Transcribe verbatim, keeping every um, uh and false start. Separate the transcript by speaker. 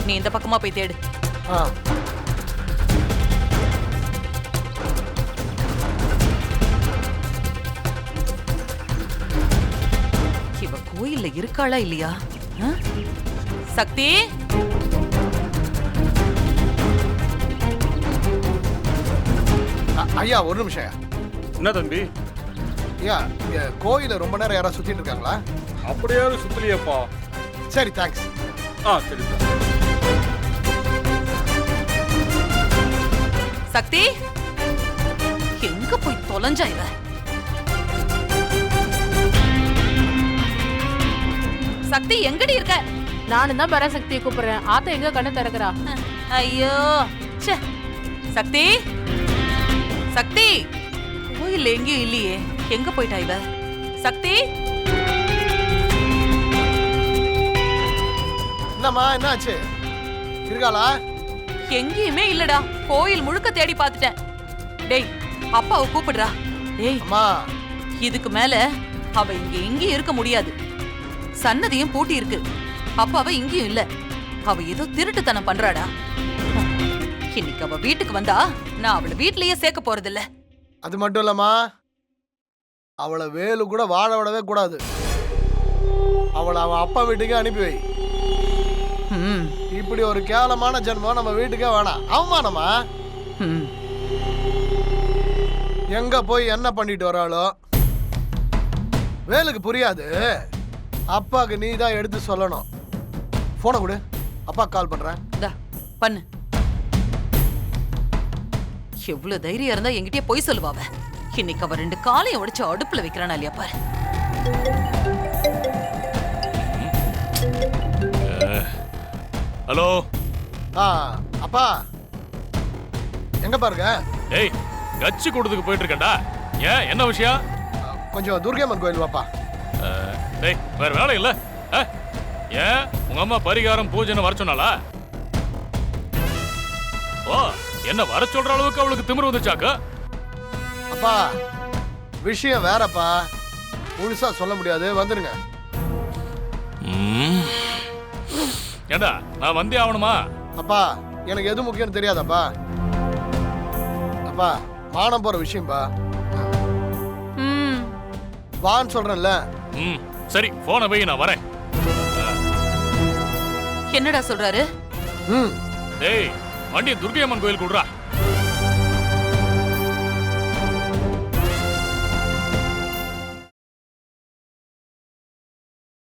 Speaker 1: நீ இந்த பக்கமா போய் தேடு. இவ கோயில்ல இருக்காளா இல்லையா? சக்தி,
Speaker 2: ஐயா ஒரு நிமிஷம்.
Speaker 3: என்ன தம்பி?
Speaker 2: ஐயா இங்க கோயில ரொம்ப நேரம் யாராவது சுத்திட்டு இருக்காங்களா?
Speaker 3: அப்படியாவது சுத்தலையப்பா.
Speaker 2: சரி தேங்க்ஸ்.
Speaker 3: ஆ சரி.
Speaker 1: சக்தி எங்க போய் தொலைஞ்சா இவ? சக்தி எங்கடி இருக்க?
Speaker 4: நானும் தான் பராசக்தியை கூப்பிடுறேன். ஆத்த எங்க கண்ணு திறக்கிறா?
Speaker 1: ஐயோ சக்தி, சக்தி கோயில் எங்கேயும் இல்லையே. எங்க போயிட்டா இவ? சக்தி
Speaker 2: என்னம்மா என்னாச்சு? இருக்காளா?
Speaker 1: எங்கேயுமே இல்லடா. கோயில் முழுக்க தேடி பார்த்துட்டேன். டேய் அப்பாவை கூப்பிடுறா. டேய்
Speaker 2: அம்மா,
Speaker 1: இதுக்கு மேல அவ இங்க எங்கேயும் இருக்க முடியாது. சன்னதியும் பூட்டி இருக்கு. அப்பாவை இங்கேயும் இல்ல. அவ ஏதோ திருட்டுத்தனம் பண்றாடா. இன்னைக்கு அவ வீட்டுக்கு வந்தா நான் அவளை வீட்லயே சேர்க்க போறதில்ல.
Speaker 2: அது மட்டும் இல்லம்மா, அவளை வேலு கூட வாழ விடவே கூடாது. அவளை அவன் அப்பா வீட்டுக்கே அனுப்பி வை. இப்படி ஒரு கேவலமான ஜென்மம் நம்ம வீட்டுக்கே வேணாம். அவமானமா? எங்க போய் என்ன பண்ணிட்டு வராளோ? வேலுக்கு புரியாது. அப்பாக்கு நீ தான் எடுத்து சொல்லணும். போனை கொடு, அப்பா கால் பண்றேன்.
Speaker 1: பண்ணு. எவ்வளவு தைரியம் இருந்தா என்கிட்டயே போய் சொல்லுவாவ. இன்னைக்கு அவ ரெண்டு காலையும் உடைச்சு அடுப்புல வைக்கிறானா இல்லையா பாரு.
Speaker 5: ஹலோ.
Speaker 2: ஆ அப்பா எங்க பாருங்க?
Speaker 5: ஏய் கட்சி கூட்டத்துக்கு போயிட்டு இருக்கேன்டா. ஏன் என்ன விஷயம்?
Speaker 2: கொஞ்சம் துர்கையம்மன் கோயில் வாப்பா.
Speaker 5: டேய் வேற வேலை இல்ல? ஏன் உங்க அம்மா பரிகாரம் பூஜைன்னு வர சொன்னாளா? ஓ என்ன வர சொல்ற அளவுக்கு அவளுக்கு திமிரு வந்துச்சாக்க?
Speaker 2: அப்பா விஷயம் வேறப்பா, முழுசா சொல்ல முடியாது. வந்துருங்க.
Speaker 5: ஏண்டா நான் வந்தே ஆகணுமா?
Speaker 2: அப்பா எனக்கு எது முக்கியம்னு தெரியாதப்பா. அப்பா மானம் போற விஷயம்பா. வான்னு சொல்றேன்ல.
Speaker 5: ம் சரி போனை போய் நான் வரேன்.
Speaker 1: என்னடா சொல்றாரு?
Speaker 2: ம்
Speaker 5: டேய் வண்டியை துர்கையம்மன் கோயில் கூடுறா.